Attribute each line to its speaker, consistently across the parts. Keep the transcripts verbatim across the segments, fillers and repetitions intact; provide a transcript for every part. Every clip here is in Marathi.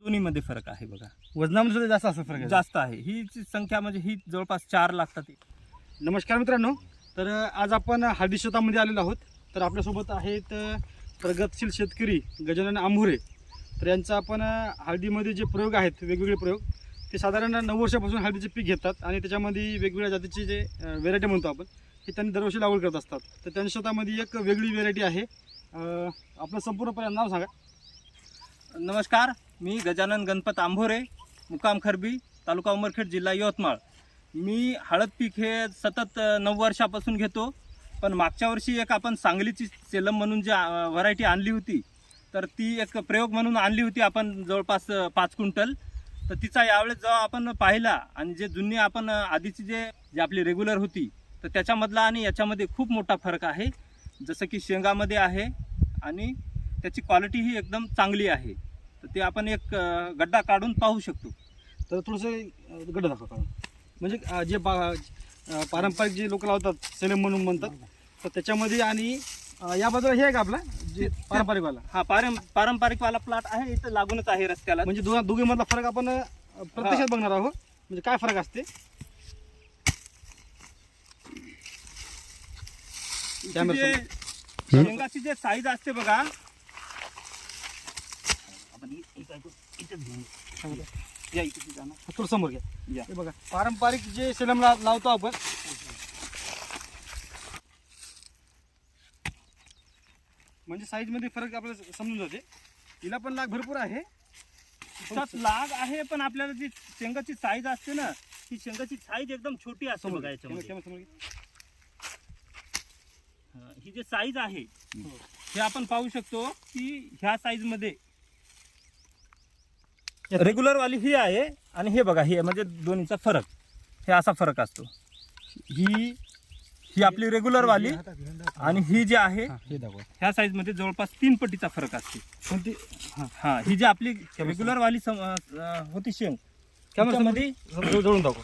Speaker 1: दोन्हीमध्ये फरक आहे बघा.
Speaker 2: वजनामध्ये सुद्धा जास्त असं फरक आहे.
Speaker 1: जास्त आहे. ही जी संख्या म्हणजे ही जवळपास चार लागतात.
Speaker 2: नमस्कार मित्रांनो, तर आज आपण हळदी शेतामध्ये आलेलो आहोत. तर आपल्यासोबत आहेत प्रगतशील शेतकरी गजानन आंभोरे. तर यांचा आपण हळदीमध्ये जे प्रयोग आहेत, वेगवेगळे प्रयोग, ते साधारण नऊ वर्षापासून हळदीचे पीक घेतात आणि त्याच्यामध्ये वेगवेगळ्या जातीचे जे व्हेरायटी म्हणतो आपण, हे त्यांनी दरवर्षी लागवड करत असतात. तर त्यांच्या शेतामध्ये एक वेगळी व्हेरायटी आहे. आपलं संपूर्णपणे नाव सांगा.
Speaker 1: नमस्कार, मी गजानन गणपत आंभोरे, मुक्काम खरबी, तालुका उमरखेड, जिल्हा यवतमाळ. मी हळद पीक हे सतत नऊ वर्षापासून घेतो. पण मागच्या वर्षी एक आपण सांगलीची सेलम म्हणून जी व्हरायटी आणली होती, तर ती एक प्रयोग म्हणून आणली होती आपण जवळपास पाच क्विंटल. तर तिचा यावेळेस जेव्हा आपण पाहिला आणि जे जुनी आपण आधीची जे जी आपली रेग्युलर होती, तर त्याच्यामधला आणि याच्यामध्ये खूप मोठा फरक आहे. जसं की शेंगामध्ये आहे आणि त्याची क्वालिटी ही एकदम चांगली आहे. तर ते आपण एक गड्डा काढून पाहू शकतो.
Speaker 2: तर थोडंसं गड्डा दाखवा काढून. म्हणजे जे पारंपरिक जे लोक लावतात, सेलम म्हणून म्हणतात, तर त्याच्यामध्ये आणि या बाजूला हे आहे का आपला जे पारंपरिकवाला?
Speaker 1: हा, पारं पारंपरिकवाला प्लॉट आहे, इथं लागूनच आहे रस्त्याला.
Speaker 2: म्हणजे दोन दोघीमधला फरक आपण प्रत्यक्षात बघणार आहोत. म्हणजे काय फरक असते.
Speaker 1: जे शेंगाची जे साईज असते बघा,
Speaker 2: थोडं समोर घ्या. हे बघा, पारंपरिक जे सेलम लावतो आपण, म्हणजे साईज मध्ये फरक आपल्याला समजून जाते. तिला पण लाग भरपूर आहे,
Speaker 1: लाग आहे, पण आपल्याला जी शेंगाची साईज असते ना, ती शेंगाची साईज एकदम छोटी असते बघा. याच्यामध्ये ही जे साईज आहे हे आपण पाहू शकतो की ह्या साईज मध्ये रेग्युलर वाली ही आहे आणि हे बघा, हे म्हणजे दोन्हीचा फरक, हे असा फरक असतो. ही ही आपली रेग्युलर वाली आणि ही जी आहे ह्या साईज मध्ये जवळपास तीन पटीचा फरक असते.
Speaker 2: कोणती?
Speaker 1: हा, ही जी आपली रेग्युलर वाली होती शेंग, त्यामध्ये
Speaker 2: जोडून दाखव.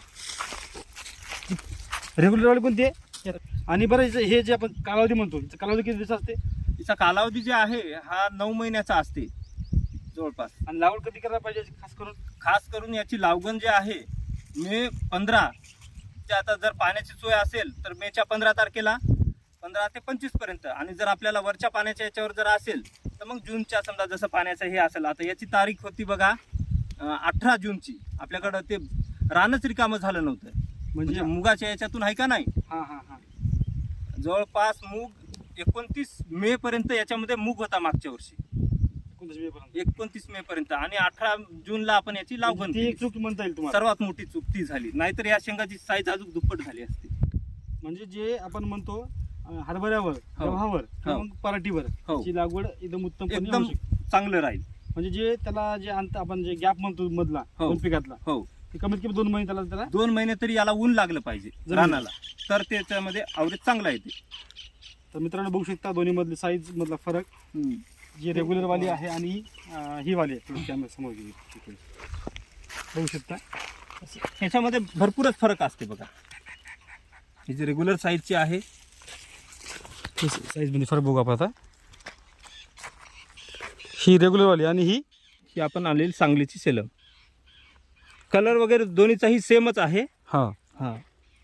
Speaker 2: रेग्युलर वाली कोणती आहे? आणि बरं, हे जे आपण कालावधी म्हणतो, कालावधी किती दिवस असते?
Speaker 1: तिचा कालावधी जे आहे हा नऊ महिन्याचा असते जवळपास.
Speaker 2: आणि लागवड कधी करायला पाहिजे? खास करून
Speaker 1: खास करून याची लागवड जे आहे मे पंधरा, आता जर पाण्याची सोय असेल तर मेच्या पंधरा तारखेला पंधरा ते पंचवीस पर्यंत, आणि जर आपल्याला वरच्या पाण्याच्या याच्यावर जर असेल तर मग जूनच्या, समजा जसं पाण्याचं हे असेल, आता याची तारीख होती बघा अठरा जूनची. आपल्याकडं ते रानच रिकामं झालं नव्हतं, म्हणजे मुगाच्या याच्यातून आहे का नाही.
Speaker 2: हा हा हा
Speaker 1: जवळपास मूग एकोणतीस मे पर्यंत याच्यामध्ये मूग होता मागच्या वर्षी, एकोणतीस मे पर्यंत, आणि अठरा जूनला आपण याची लागवड केली.
Speaker 2: चूक म्हणता येईल तुम्हाला.
Speaker 1: सर्वात मोठी चूक ती झाली, नाहीतर या शेंगाची साईज अजून दुप्पट झाली असती.
Speaker 2: म्हणजे जे आपण म्हणतो हरभऱ्यावर, गव्हावर, पराठीवर ची लागवड एकदम उत्तम,
Speaker 1: एकदम चांगलं राहील.
Speaker 2: म्हणजे जे त्याला जे अंत आपण जे गॅप म्हणतो मधला दोन पिकातला,
Speaker 1: हो,
Speaker 2: कमीत कमी दोन महिने त्याला त्याला
Speaker 1: दोन महिने तरी याला ऊन लागलं पाहिजे रानाला, तर त्याच्यामध्ये आवरेज चांगला येते.
Speaker 2: तर मित्रांनो बघू शकता दोन्ही मधले साईज मधला फरक, जी रेग्युलर वाली आहे आणि ही वाली आहे. कॅमेरा समोर बघू शकता,
Speaker 1: ह्याच्यामध्ये भरपूरच फरक असते बघा. ही जी रेग्युलर साईजची आहे,
Speaker 2: साईज मध्ये फरक बघू आपण आता. ही रेग्युलर वाली आणि ही
Speaker 1: ही आपण आणलेली सांगलीची सेलम. कलर वगैरे दोन्हीचाही सेमच आहे.
Speaker 2: हा
Speaker 1: हा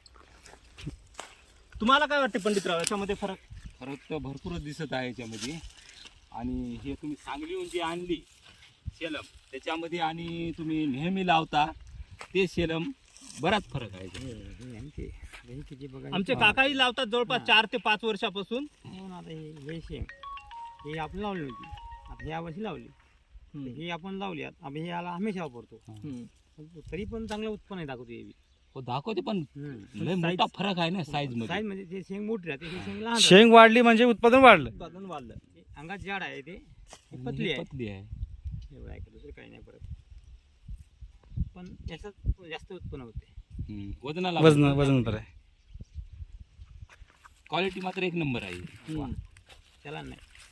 Speaker 1: तुम्हाला काय वाटते पंडितराव, याच्यामध्ये फरक?
Speaker 3: फरक तर भरपूरच दिसत आहे याच्यामध्ये. आणि हे तुम्ही सांगलीहून जी आणली सेलम, त्याच्यामध्ये आणि तुम्ही नेहमी लावता ते सेलम, बराच फरक आहे.
Speaker 1: आमचे काकाही लावतात जवळपास चार ते पाच वर्षापासून.
Speaker 4: हे शेंग हे आपण लावली होती, आता ह्या वर्षी लावली, हे आपण लावली, आता हे याला हमेशा वापरतो, तरी पण चांगलं उत्पन्न दाखवतो. हे
Speaker 3: हो दाखवते, पण लय मोठा फरक आहे ना साईज मध्ये.
Speaker 4: साईज म्हणजे ते शेंग मोठी राहते, हे शेंग लहान.
Speaker 2: शेंग वाढली म्हणजे उत्पादन वाढलं.
Speaker 1: उत्पादन वाढलं.
Speaker 4: अंगात जाड आहे, ते पतली आहे,
Speaker 3: पतली आहे.
Speaker 4: एवढं आहे, दुसरं काही नाही परत. पण याच्यात जास्त उत्पन्न होते.
Speaker 3: वजनाला
Speaker 2: वजन वजन तर आहे.
Speaker 3: क्वालिटी मात्र एक नंबर आहे.
Speaker 4: त्याला नाही